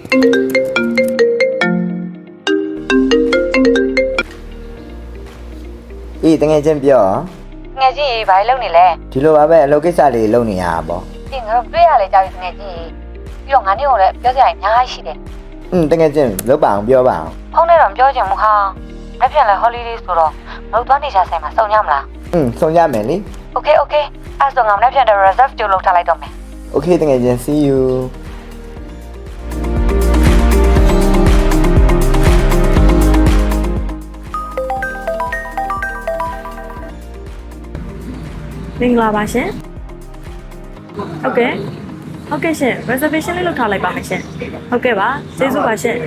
တငယ်ချင်းပြောငယ်ချင်းဘာလုပ်နေလဲဒီလိုပါပဲအလုပ်ကိစ္စလေးလုပ်နေရတာပေါ့ဒီငါတို့တွေ့ရလေကြောက်ရငယ်ချင်းပြီးတော့ငါနေကိုလည်းပြောစရာအများကြီးရှိတယ်တငယ်ချင်းလုပ်ပါအောင်ပြောပါအောင်ဖုန်းနဲ့တော့ပြောချင်ဘူးဟာလက်ပြန်လဲ holiday ဆိုတော့မတို့သွားနေကြဆိုင်မှာစုံရမလားစုံရမယ်လေ Okay အဲ့ဆိုငါလက်ပြန်တဲ့ reserve ကြိုလုပ်ထားလိုက်တော့မယ် Okay တငယ်ချင်း see you မင်္ဂလာပါရှင်ဟုတ်ကဲ့ရှင် reservation လေးလုပ်ထားလိုက်ပါမယ်ရှင်ဟုတ်ကဲ့ပါကျေးဇူးပါရှင်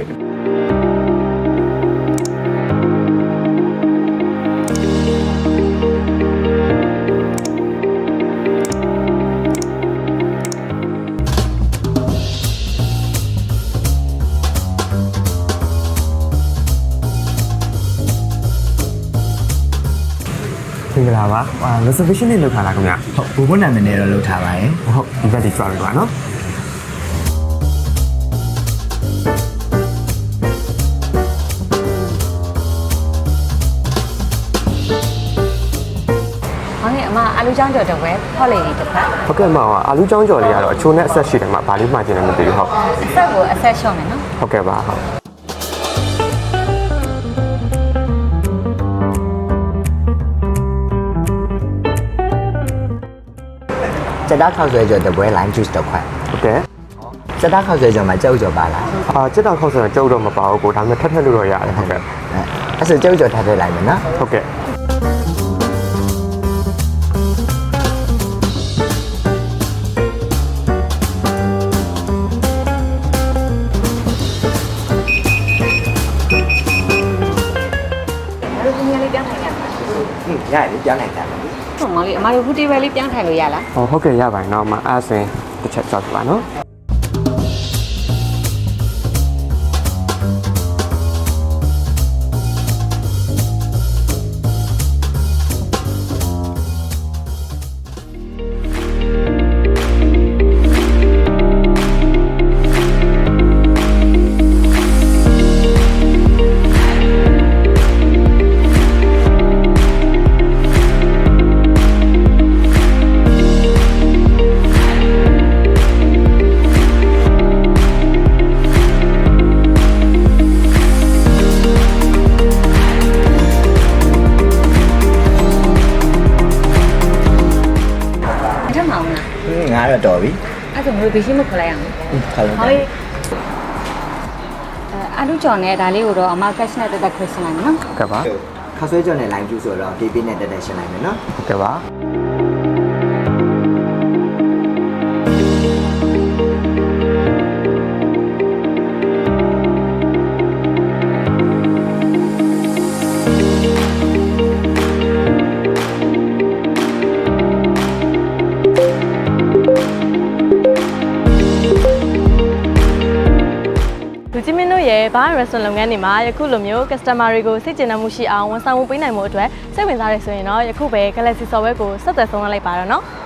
မင်္ဂလာပါreservation လေးလုပ်ထားလားခင်ဗျဟုတ်ဘုဘနာမည်နဲ့တော့လုပ်ထားပါရဲ့ဟုတ်ဒီဘက်ဒီကြွားပြီပါနော်ဟုတ်ကဲ့အမအာလူချောင်းကြော်တော့ပဲဖောက်လေဒီတစ်ဖက်ဟုတ်ကဲ့မောင်အာလူချောင်းကြော်လေးကတော့အချိုးနဲ့အဆက်ရှိတယ်မှာဗာလေးမှာကျင်တယ်မသိဘူးဟုတ်ဆက်ကိုအဆက်ရှော့မယ်နော်ဟုတ်ကဲ့ပါဟုတ်စက်သားခောက်ဆွဲကြော်တပွဲ lime juice တစ်ခွက်ဟုတ်ကဲ့စက်သားခောက်ဆွဲကြော်မှာကြောက်ကြော်ပါလားစက်သားခောက်ဆွဲကြောက်တော့မပါဘူးကိုဒါပေမဲ့ထက်လို့တော့ရတယ်ဟုတ်ကဲ့အဲ့ဆိုကြောက်ကြော်ထပ်ထည့်လိုက်မယ်နော်ဟုတ်ကဲ့ရတယ်ပြောင်းနိုင်တယ်ဟုတ်မောင်လေးအမတို့ဟူတီဘယ်လေးပြောင်းထိုင်လို့ရလားဟုတ်ကဲ့ရပါတယ်နော်အမအားစင်တစ်ချက်ကြောက်ပါနော်ငါတော့တော်ပြီအဲ့ဆိုမလို့ဘီရှိမခေါ်လိုက်အောင်ခေါ်လိုက်ဟုတ်အာလူကြော်နဲ့ဒါလေးကိုတော့အမ cash နဲ့တက်တက်ခွင့်ရှင်းလိုက်မယ်နော်ဟုတ်ကဲ့ပါခောက်ဆွဲကြော်နဲ့ lime juice ဆိုတော့ PP နဲ့တက်တက်ရှင်းလိုက်မယ်နော်ဟုတ်ကဲ့ပါလူကြီးမင်းတို့ရဲ့ဘား restaurant လုပ်ငန်းတွေမှာယခုလိုမျိုး customer တွေကိုစိတ်ကျေနပ်မှုရှိအောင်ဝန်ဆောင်မှုပေးနိုင်မှုအတွက်စိတ်ဝင်စားရဆိုရင်တော့ယခုပဲ Galaxy Software ကိုဆက်သွယ်ဆုံးလိုက်ပါတော့နော်